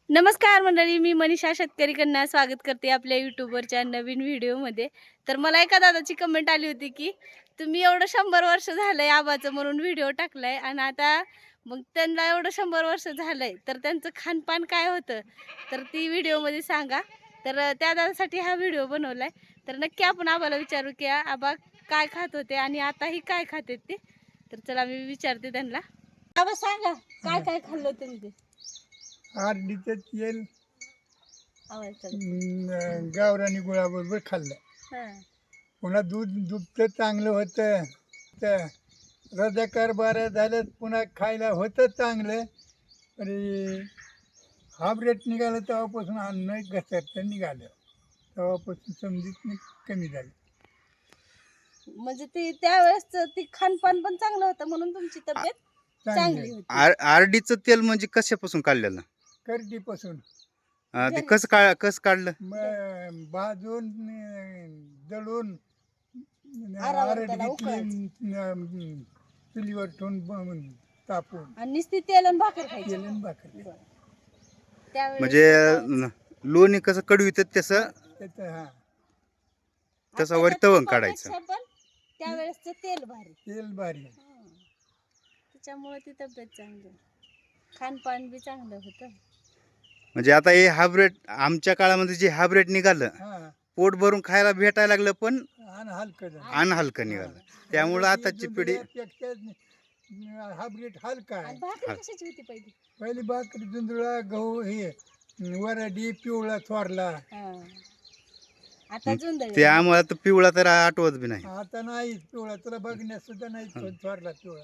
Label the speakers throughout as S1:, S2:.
S1: नमस्कार मंडळी, मी मनीषा शेतकरीकडनं स्वागत करते आपल्या यूट्यूबवरच्या नवीन व्हिडिओमध्ये. तर मला एका दादाची कमेंट आली होती की तुम्ही एवढं 100 वर्ष झालंय आबाचं म्हणून व्हिडिओ टाकलाय आणि आता मग त्यांना एवढं 100 वर्ष झालंय तर त्यांचं खानपान काय होतं तर ती व्हिडिओमध्ये सांगा. तर त्या दादासाठी हा व्हिडिओ बनवलाय. तर नक्की आपण आबाला विचारू की आबा काय खात होते आणि आताही काय खाते ते. तर चला मी विचारते त्यांना. आबा सांगा काय काय खाल्लं तुम्ही ते.
S2: आरडीचं तेल
S1: आवाज
S2: गावरानी गुळाबरोबर खाल्लं. पुन्हा दुभतं चांगलं होतं. तर रजाकार बारा झालं पुन्हा खायला होतं चांगलं. आणि हाबरेट निघालं तेव्हापासून अन्न घसरतं निघालं. तेव्हापासून समजीत कमी झालं.
S1: म्हणजे ते त्यावेळेस ते खानपान पण चांगलं होतं म्हणून तुमची तब्येत चांगली होती.
S3: आरडीचं तेल म्हणजे कशापासून काढलेलं?
S2: करडीपासून
S3: ते कसं काढलं?
S2: भाजून दळून
S1: आरावर त्याला
S2: आरडीतली चुलीवर ठेवून तापून
S1: आणि नुसती तेल आणि भाकर खायची.
S2: केलं भाकर
S1: त्यावेळेस
S3: म्हणजे लोणी कसं कडवित तसं
S2: त्याचं हा
S3: तसं वर तवंग काढायचं.
S1: पण त्यावेळेसचं तेल भारी,
S2: तेल भारी.
S1: त्याच्यामुळे ती तब्येत चांगली, खानपान बी चांगलं होतं.
S3: म्हणजे आता हे हायब्रिड आमच्या काळामध्ये जे हायब्रिड निघालं
S2: हा
S3: पोट भरून खायला भेटायला लागलं पण
S2: आणि हलकं झालं.
S3: हलकं निघालं. त्यामुळं आताची पिढी
S2: हायब्रिड हलका आहे.
S1: आणि भाकरी कशाची होती पहिली?
S2: पहिली भाकरी जुंधळा गहू हे वरडी पिवळा थोरला.
S1: आता जुंदळ
S3: ते आम्हाला तर पिवळा तर आठवत बी नाही.
S2: आता नाही पिवळा, तुला बघण्यास सुद्धा नाही थोरला पिवळा.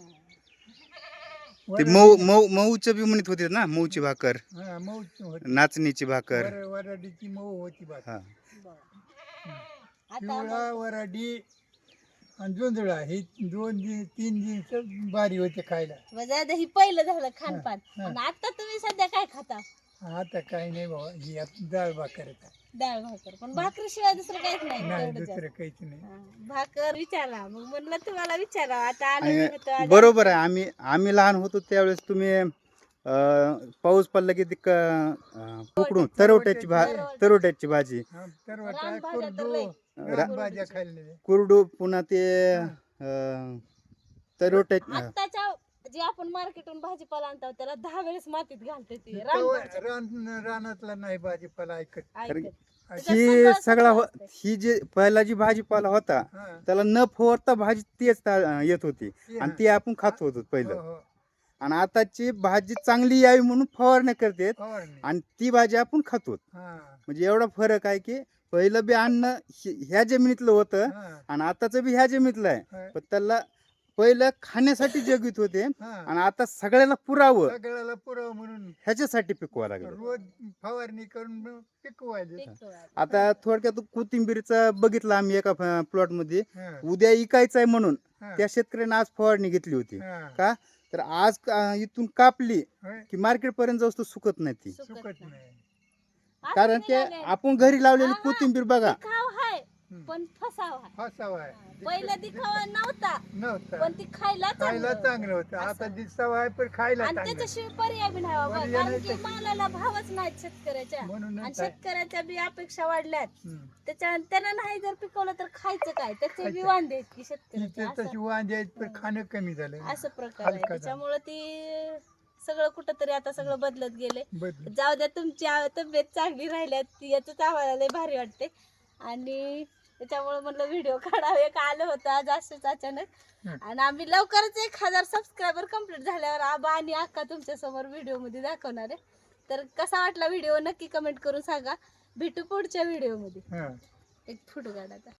S3: ते मऊचं बी म्हणत होते ना, मऊची भाकर,
S2: हा मऊच होती.
S3: नाचणीची भाकर.
S2: वरडीची मऊ होती भाकर.
S3: हा
S2: पिवळा वरडी आणि जुंधळा हे तीन जीन्स भारी होते खायला.
S1: म्हणजे ही पहिलं झालं खानपान. आणि आता तुम्ही सध्या काय खाता?
S2: आता काही नाही बाबा, ही आता डाळ भाकर आहे.
S1: डाळ भाकर. पण भाकरी शिवाय दुसरं काहीच नाही.
S2: नाही
S1: तेवढंच
S2: दुसरं
S1: आहे.
S2: काहीच नाही.
S1: भाकर विचारा, मग म्हणलं तुम्हाला विचारा. आता आलं होतं
S3: बरोबर आहे. आम्ही लहान होतो त्यावेळेस तुम्ही पाऊस पडला की ती उकडून तरवट्याची भाजी,
S2: हा, तरवटा,
S1: रानभाज्या तर
S2: कुरडू,
S1: लय.
S2: रानभाज्या खाल्लेल्या.
S3: कुरडू, पुन्हा ते तरवट्याची
S1: आत्ताच्या जे आपण मार्केटून भाजीपाला आणतो त्याला 10 वेळेस मातीत घालते ती
S2: रानातला नाही भाजीपाला ऐकत.
S3: ही सगळा ही जे पहिला जी भाजीपाला होता
S2: हा.
S3: त्याला न फवारता भाजी तेच येत होती आणि ती आपण खात होतो
S2: हो,
S3: पहिलं.
S2: हो.
S3: आणि आताची भाजी चांगली यावी म्हणून फवारण्या करतात
S2: फवारणी.
S3: आणि ती भाजी आपण खातो.
S2: हा,
S3: म्हणजे एवढा फरक आहे की पहिलं बी अन्न ह्या जमिनीतलं होतं
S2: हा,
S3: आणि आताचं बी ह्या जमिनीतलं आहे.
S2: हा.
S3: पण त्याला पहिलं खाण्यासाठी जगवित होते
S2: हा.
S3: आणि आता सगळ्याला पुरावं
S2: सगळ्याला पुरावं म्हणून
S3: ह्याच्यासाठी पिकवा लागलं.
S2: रोज फवारणी करून पिकवायचे.
S3: आता थोडक्यात कोथिंबीरचा बघितलं आम्ही एका प्लॉट मध्ये.
S2: हा,
S3: उद्या इकायचं आहे म्हणून
S2: हा,
S3: त्या शेतकऱ्याने आज फवारणी घेतली होती.
S2: हा.
S3: का तर आज इथून कापली
S2: होय,
S3: की मार्केट पर्यंत जाऊस तर सुकत नाही ती.
S2: सुकत नाही.
S3: कारण ते आपण घरी लावलेली कोथिंबीर बघा.
S1: पण फसावा आहे.
S2: फसावा आहे.
S1: पहिला दिखावा नव्हता
S2: नव्हता.
S1: पण ती खायला
S2: खायला
S1: चांगलं.
S2: चांगलं होतं. आता दिसावा आहे पण खायला
S1: आणि
S2: चांगलं.
S1: त्याच्याशिवाय पर्याय बी नाही बाबा.
S2: पर्याय
S1: कारण की
S2: नाही.
S1: मालाला भावच नाहीत शेतकऱ्याच्या.
S2: म्हणूनच
S1: आणि
S2: आहे.
S1: शेतकऱ्याच्या बी अपेक्षा वाढल्यात.
S2: हम्म.
S1: त्याला नाही जर पिकवलं तर खायचं काय? त्याचे बी
S2: खायचं.
S1: वांदे आहेत की
S2: तिथे
S1: शेतकऱ्याचे.
S2: तशी वांजे आहेत पण खाणं कमी झालं.
S1: असं प्रकार आहे.
S2: हलका झाला.
S1: त्याच्यामुळे ती सगळं कुठंतरी आता सगळं बदलत गेले.
S2: बदल.
S1: जाऊ द्या, तुमची तब्येत चांगली राहिल्यात याच आम्हाला लय भारी वाटते. आणि त्याच्यामुळे म्हणलं व्हिडिओ काढावे का आलं होतं आज असंच अचानक. आणि आम्ही लवकरच 1000 सबस्क्रायबर कंप्लीट झाल्यावर आबा आणि अक्का तुमच्या समोर व्हिडिओ मध्ये दाखवणार आहे. तर कसा वाटला व्हिडिओ नक्की कमेंट करून सांगा. भेटू पुढच्या व्हिडिओ मध्ये.
S2: हा.
S1: एक फोटो काढायचा.